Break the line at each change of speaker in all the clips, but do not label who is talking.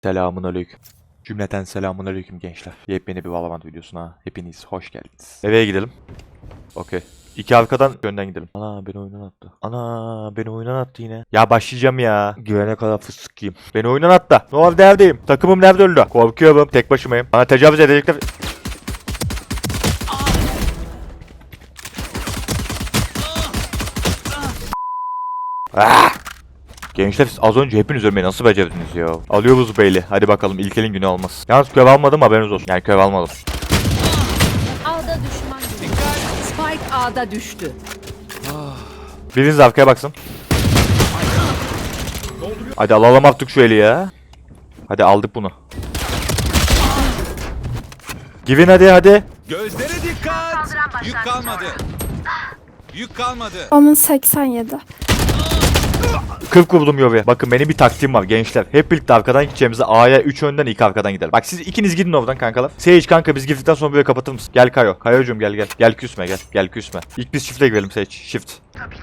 Selamun aleyküm. Cümleten selamun aleyküm gençler. Yepyeni bir Valorant videosuna hepiniz hoş geldiniz. Eve gidelim. Okey. İki arkadan önden gidelim. Ana beni oyundan attı. Ana beni oyundan attı yine. Ya başlayacağım ya. Güvene kadar fıstık yiyeyim. Beni oyundan attı. Neredeyim? Takımım nerede öldü? Korkuyorum. Tek başımayım. Bana tecavüz edecekler. Ah! Gençler siz az önce hepiniz ölmeyi nasıl becerdiniz ya? Alıyoruz beyli. Hadi bakalım ilk elin günü olmaz. Yalnız köv almadım haberiniz olsun. Yani köv almadım.
A'da düşman görüldü. Spike A'da düştü.
Biriniz arkaya baksın. Hadi alalım artık şu eli ya. Hadi aldık bunu. Givin hadi.
Gözlere dikkat! Yük kalmadı. Yük kalmadı.
Onun 87.
40 vurdum Yovi. Bakın benim bir taktiğim var gençler. Hep birlikte arkadan gideceğimize A'ya 3 önden 2 arkadan gidelim. Bak siz ikiniz gidin oradan kankalar. Sage kanka biz girdikten sonra böyle kapatır mısın? Gel Kayo. Kayo'cum gel. Gel küsme gel. Gel küsme. İlk biz shift'e girelim Sage. Shift.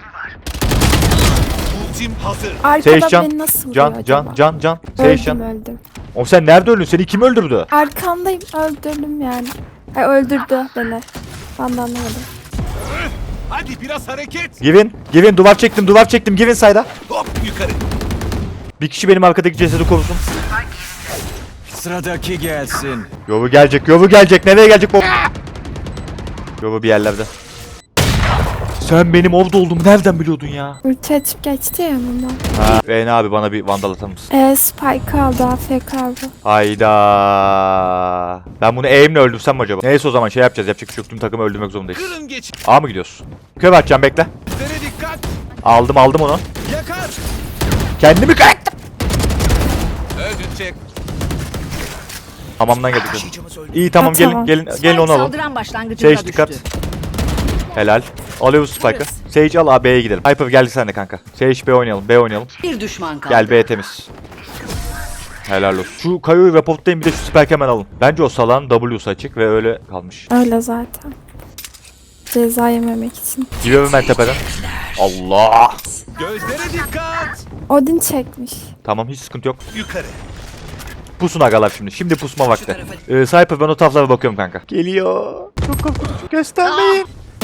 Ultim hazır.
Arkada
Sage can.
beni nasıl vuruyor acaba?
Can. Sage
Öldüm
can.
öldüm.
Oğlum sen nerede öldün? Seni kim öldürdü?
Arkandayım öldürdüm yani. Ay öldürdü beni. Ben de anlamadım.
Hadi biraz hareket.
Givin duvar çektim. Givin sayda.
Hop yukarı.
Bir kişi benim arkadaki cesedi korusun.
Sıradaki gelsin.
Yovu gelecek. Nereye gelecek bu? Yovu bir yerlerde. Sen benim orada olduğumu nereden biliyordun ya?
Ulti açıp geçti ya bundan.
Ha. Reyna abi bana bir vandal atar mısın?
Spike aldı, AFK aldı.
Hayda. Ben bunu aim'le öldürsem mi acaba? Neyse o zaman şey yapacağız. Yapacak bir şey yok. Tüm takımı öldürmek zorundayız.
Kırın geç.
A mı gidiyoruz? Köv atacağım bekle.
Gözlere dikkat.
Aldım onu.
Yakar.
Kendimi kayaktım.
Öldün çek.
Hamamdan geldik. İyi tamam
Ha,
gelin
tamam.
gelin onu alın.
Saldıran başlangıcında
Sage
düştü.
dikkat. Helal. Alıyoruz Spike'ı. Sage al A B'ye gidelim. Hyper geldi sen de kanka. Sage B oynayalım.
Bir düşman kaldı.
Gel B temiz. Helal olsun. Şu Kayo'yu reportlayın bir de şu Spike'ı hemen alın. Bence o salağın W'su açık ve öyle kalmış.
Öyle zaten. Ceza yememek için.
Gidiyorum ben tepeden. Allah.
Gözlere dikkat.
Odin çekmiş.
Tamam hiç sıkıntı yok.
Yukarı.
Pusun agalar şimdi. Şimdi pusma vakti. Sniper ben o taraflara bakıyorum kanka. Geliyor. Çok korkunç. Göstermeyin.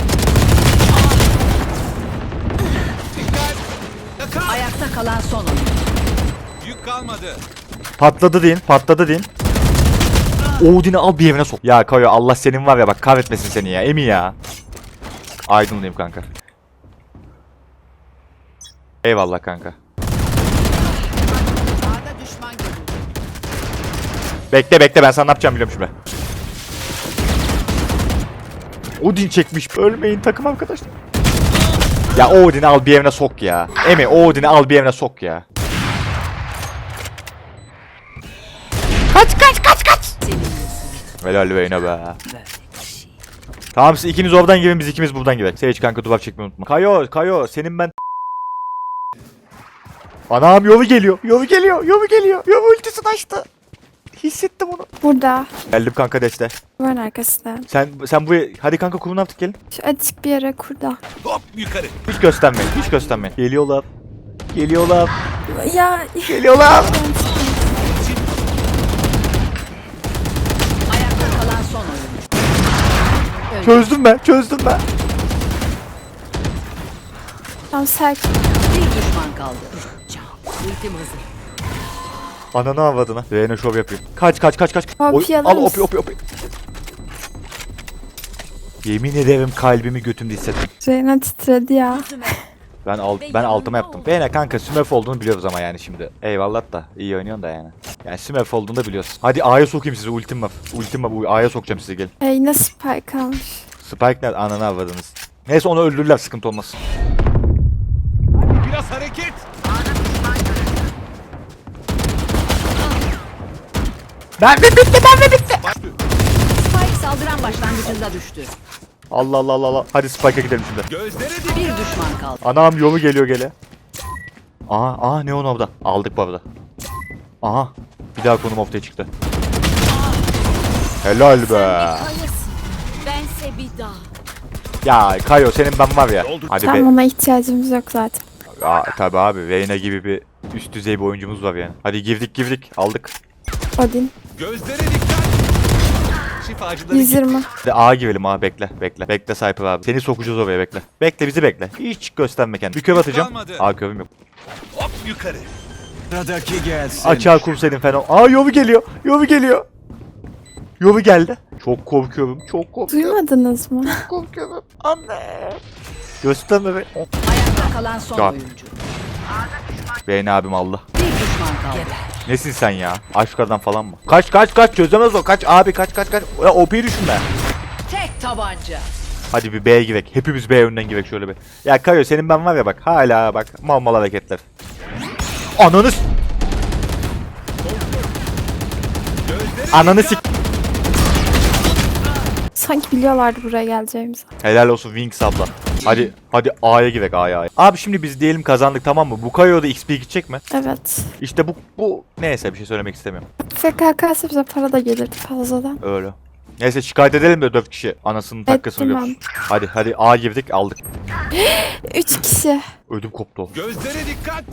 Dikkat. Yakar.
Ayakta kalan son oyuncu.
Yük kalmadı.
Patladı deyin. Odin'i al bir evine sok. Ya Kayo Allah senin var ya bak kahretmesin seni ya. Emi ya. Aydınlayayım kanka. Eyvallah kanka.
A'da düşman görüldü.
Bekle ben sana ne yapacağım biliyorum şimdi. Odin çekmiş. Ölmeyin takım arkadaşlar. Ya Odin'i al bir evine sok ya. Emi Odin'i al bir evine sok ya. Kaç. Helal beyine be. Tamam siz ikiniz oradan girin biz ikimiz buradan girelim. Sage kanka duvar çekmeyi unutma. Kayo senin ben... Anam yolu geliyor. Yolu ultisini açtı. Hissettim onu.
Burada.
Geldim kanka deste.
Duvarın arkasında.
Sen bu hadi kanka kurun artık gelin.
Şu açık bir yere kurda.
Hop yukarı.
Hiç göstermeyin. Geliyorlar.
Ya
Ayakta kalan son oyuncu.
Çözdüm ben.
tam sakin.
Bir düşman kaldı. Ultim hazır.
Ananı avradına. Reyna şov yapıyor. Kaç.
Opi alır
Al
mısın?
opi. Yemin ederim kalbimi götümde hissettim.
Reyna titredi ya.
Ben altıma yaptım. Reyna kanka Smurf olduğunu biliyoruz ama yani şimdi. Eyvallah da iyi oynuyorsun da yani. Yani Smurf olduğunu da biliyorsun. Hadi A'ya sokayım sizi ultim var. A'ya sokacağım sizi gelin.
Yine Spike almış.
Spike nerede? Ananı avradınız. Neyse onu öldürürler sıkıntı olmaz.
Biraz hareket.
Ben bitti.
Spike saldıran başlangıcında düştü.
Allah. Hadi Spike'a gidelim şimdi.
Gözlere dikkat.
Bir düşman kaldı.
Anam yolu geliyor gele. Aha Neon orada. Aldık bu arada. Aha. Bir daha konum ortaya çıktı. Helal be.
Bense bir daha.
Ya Kayo senin ben var ya. Hadi
Tam
be.
ona ihtiyacımız yok zaten.
Tabi abi Reyna gibi bir üst düzey bir oyuncumuz var yani. Hadi girdik aldık.
Odin.
Gözlere dikkat. Şifacıları
120.
Hadi A girelim A, bekle bekle. Bekle Cypher abi. Seni sokacağız oraya, bekle. Bekle, bizi bekle. Hiç gösterme kendini. Bir köv atacağım.
kalmadı.
A kövüm yok.
hop yukarı.
Sıradaki gelsin.
Açığa kursaydın fena. Aa, yovu geliyor. Yovu geliyor. Yovu geldi. Çok korkuyorum. Çok korkuyorum.
Duymadınız mı?
Korkuyorum. Anne. Gösterme be. Oh.
Ayakta kalan son
God.
oyuncu.
Beğeni abim Allah.
Bir düşman kaldı.
Nesin sen ya? Aşkardan falan mı? Kaç kaç kaç, çözemez o. Kaç abi, kaç kaç kaç. Ya OP'yi düşünme.
Tek tabanca.
Hadi bir B'ye girek. Hepimiz B yönden girek şöyle bir. Ya Kayo, senin ben var ya bak. Hala bak. Mal mal hareketler. Ananı s-
Gözlere
Ananı
dikkat.
sik.
Sanki biliyorlardı buraya geleceğimizi.
Helal olsun Wings abla. Hadi A'ya girek, A'ya. Abi şimdi biz diyelim kazandık, tamam mı? Bu Kayo'da XP gidecek mi?
Evet.
İşte bu neyse, bir şey söylemek istemiyorum.
FKK'sı bize para da gelirdi fazladan.
Öyle. Neyse şikayet edelim de 4 kişi anasının takkasını
Ettim
görsün. Hadi A girdik, aldık.
3 kişi.
Ödüm koptu.
Gözlere dikkat.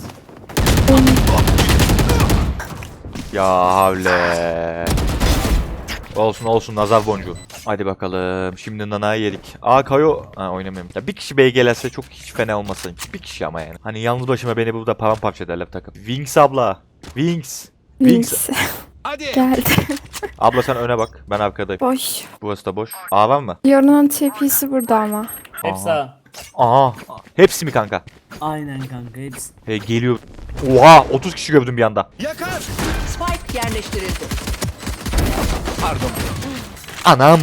Ya havle. Olsun nazar boncuğu. Hadi bakalım. Şimdi nanayı yedik. Aa Kayo. Ha, oynamıyorum. Ya bir kişi B'ye gelirse çok hiç fena olmasın. Bir kişi ama yani. Hani yalnız başıma beni burada paramparça ederler takım. Wings abla. Wings.
Wings.
Hadi.
Geldi.
Abla sen öne bak. Ben arkadayım.
Boş.
Burası da boş. A var mı?
Yorunun TP'si burada ama.
Hepsi A.
Aha. Hepsi mi kanka?
Aynen kanka hepsi.
He, geliyor. Oha 30 kişi gördüm bir anda.
Yakar.
Spike yerleştirildi.
Pardon.
Anam.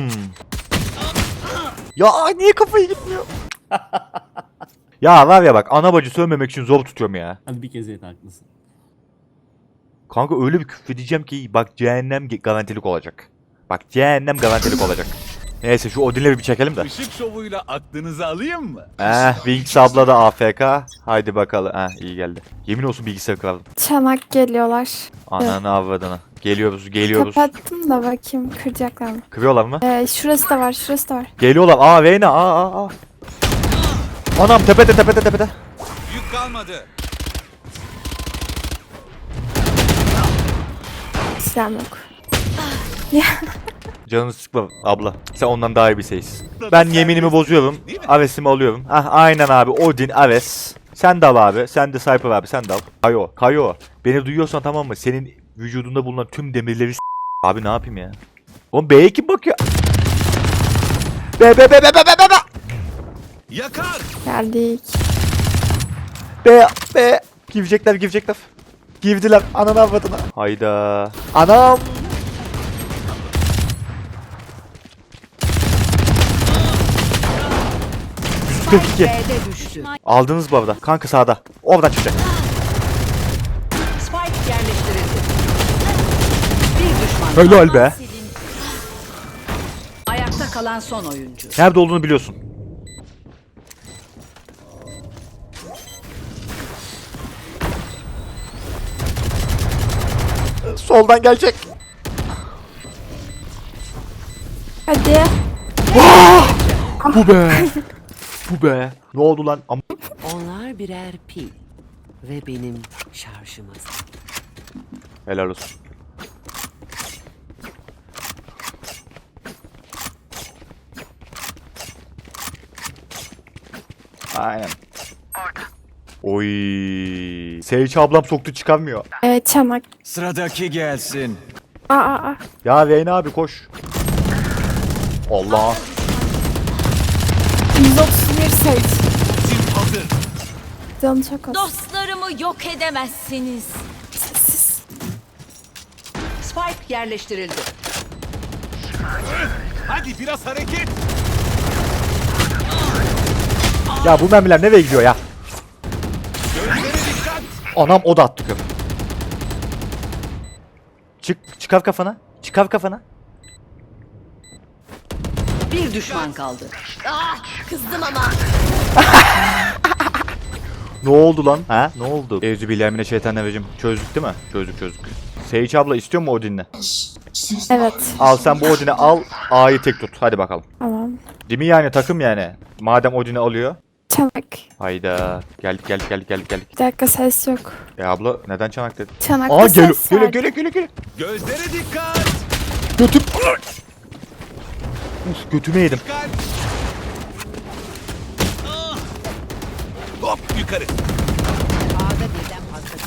Ya niye kafayı gitmiyor? Ya var ya bak, ana bacı sövmemek için zor tutuyorum ya.
Hadi bir kez et haklısın.
Kanka öyle bir küfredeceğim ki bak cehennem garantilik olacak. Bak cehennem garantilik olacak. Neyse şu Odin'le bir çekelim de.
Işık şovuyla aklınızı alayım mı?
Wings abla da AFK. Haydi bakalım. İyi geldi. Yemin olsun bilgisayarı kırardım.
Çanak geliyorlar.
Ananı avradını. Geliyoruz.
Kapattım da bakayım kıracaklar mı?
Kırıyorlar mı?
Şurası da var.
Geliyorlar. Vayne. Aa. Anam tepede.
Yük kalmadı.
Silahım yok.
Canını sıkma abla. Sen ondan daha iyi bir şeysin. Ben yeminimi bozuyorum. Aves'imi alıyorum. Aynen abi. Odin, Aves. Sen de al abi. Sen de Cypher abi. Sen de al. Kayo. Beni duyuyorsan tamam mı? Senin vücudunda bulunan tüm demirleri abi ne yapayım ya? Oğlum B'ye kim bakıyor? B.
Yakar.
Geldik.
B. Girecekler. Girdiler. Ananı avradına. Hayda. Anam.
Spike
42.
B'de düştü.
Aldınız bu arada. Kanka sağda. Oradan çıkacak.
Spike yerleştirildi. Bir düşman.
Helal be.
Ayakta kalan son oyuncu.
Nerede olduğunu biliyorsun. Soldan gelecek.
Hadi.
Bu be. Ne oldu lan?
Onlar birer pil ve benim şarjım azal.
Helal olsun. Aynen. Oy. Sage ablam soktu, çıkamıyor.
Çanak.
Sıradaki gelsin.
Aa.
Ya Veyna abi koş. Allah.
131 sayı.
Sim hazır.
Canı çok az.
Dostlarımı yok edemezsiniz.
Sessiz.
Spike yerleştirildi.
Hadi biraz hareket.
Ya bu mermiler nereye gidiyor ya?
Gözlere dikkat.
Anam o da attı köp. Çıkar kafana.
Bir düşman kaldı.
Kızdım ama.
Ne oldu lan? Ne oldu? Euzubillahimineşşeytanirracim. Çözdük değil mi? Çözdük. Sage abla istiyor mu Odin'le?
Evet.
Al sen bu Odin'i al. A'yı tek tut. Hadi bakalım.
Tamam.
Değil mi yani, takım yani. Madem Odin'i alıyor.
Çanak.
Hayda. Geldik.
Bir dakika ses yok.
Abla neden çanak dedin?
Çanakta
Aa
ses var.
geliyor.
Gözlere dikkat.
Götüm. Uf götüme yedim.
Dikkat. Ah! Hop yukarı.
A'da birden fazla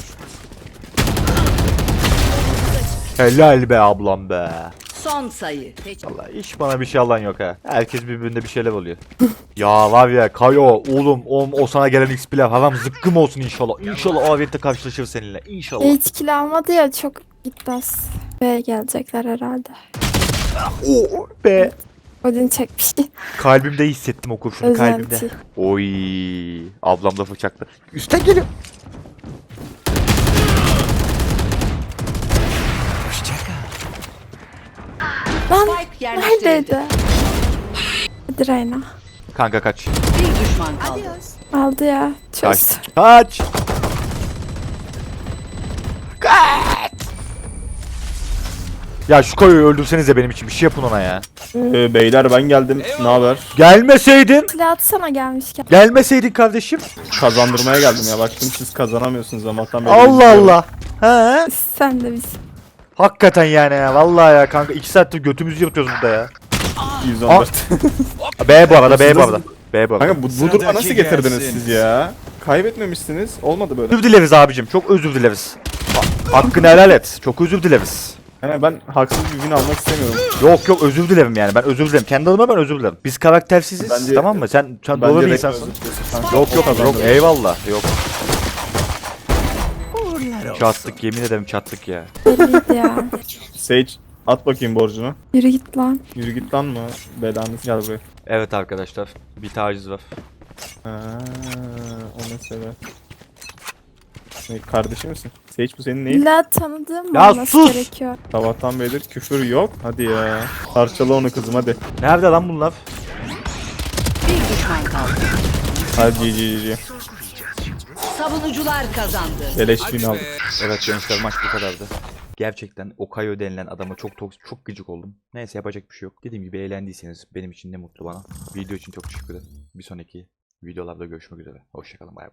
düşman.
Helal be ablam be.
Son sayı.
Vallahi hiç bana bir şey alan yok ha. Herkes birbirinde bir şeyler oluyor. Ya var ya Kayo oğlum o sana gelen XP'ler haram zıkkım olsun inşallah. İnşallah o avette karşılaşır seninle. İnşallah.
Hiç kill almadı ya çok gitmez. B'ye gelecekler herhalde.
Oo be.
Odin çekmiş.
Kalbimde hissettim o kurşunu kalbimde.
Özenti.
Oy. Ablam da bıçaklı. Üstten geliyor.
Lan
Spike yerleştirildi.
neredeydi? Hadi Reyna.
Kanka kaç.
Bir düşman kaldı.
Aldı ya.
Kaç.
Çöz.
Kaç. Ya şu Kayo'yu öldürsenize benim için bir şey yapın ona ya.
Beyler ben geldim. Ne haber?
Gelmeseydin.
Silah atsana gelmişken.
Gelmeseydin kardeşim.
Kazandırmaya geldim ya. Baktım siz kazanamıyorsunuz Allah'tan beri.
Allah
izliyorum.
Allah. He?
Sen de biz.
Hakikaten yani ya. Vallahi ya kanka 2 saattir götümüzü yırtıyoruz burada ya.
114.
B bu arada. B bu arada.
Kanka bu duruma
Sıradaki
nasıl getirdiniz
gelsin.
siz ya? Kaybetmemişsiniz. Olmadı böyle.
Özür dileriz abicim. Çok özür dileriz. Hakkını helal et. Çok özür dileriz.
He, ben haksız bir win almak istemiyorum.
Yok özür dilerim yani. Ben özür dilerim. Kendi adıma ben özür dilerim. Biz karaktersiziz.
Bence-
tamam mı? Sen
Bence
doğru bir
direkt
insansın.
özür diliyorsun kanka.
Yok
Kazandırdım.
eyvallah. Yok. Çattık yemin ederim çattık ya.
Belliydi ya.
Sage at bakayım borcunu.
Yürü git lan.
Yürü git lan mı? Belanı gel buraya.
Evet arkadaşlar. Bir taciz var.
Ha, o mesele. Ne, kardeşi misin? Sage bu senin neyin?
İlla tanıdığım mı
Ya
olması
sus!
gerekiyor?
Sabahtan beridir küfür yok. Hadi ya. Parçala onu kızım hadi.
Nerede lan bunlar?
Bir düşman kaldı.
Hadi GG.
Savunucular kazandı.
Beleş win aldık.
Evet gençler maç bu kadardı. Gerçekten o Kayo denilen adama çok gıcık oldum. Neyse yapacak bir şey yok. Dediğim gibi eğlendiyseniz benim için ne mutlu bana. Video için çok teşekkür ederim. Bir sonraki videolarda görüşmek üzere. Hoşçakalın bay bay.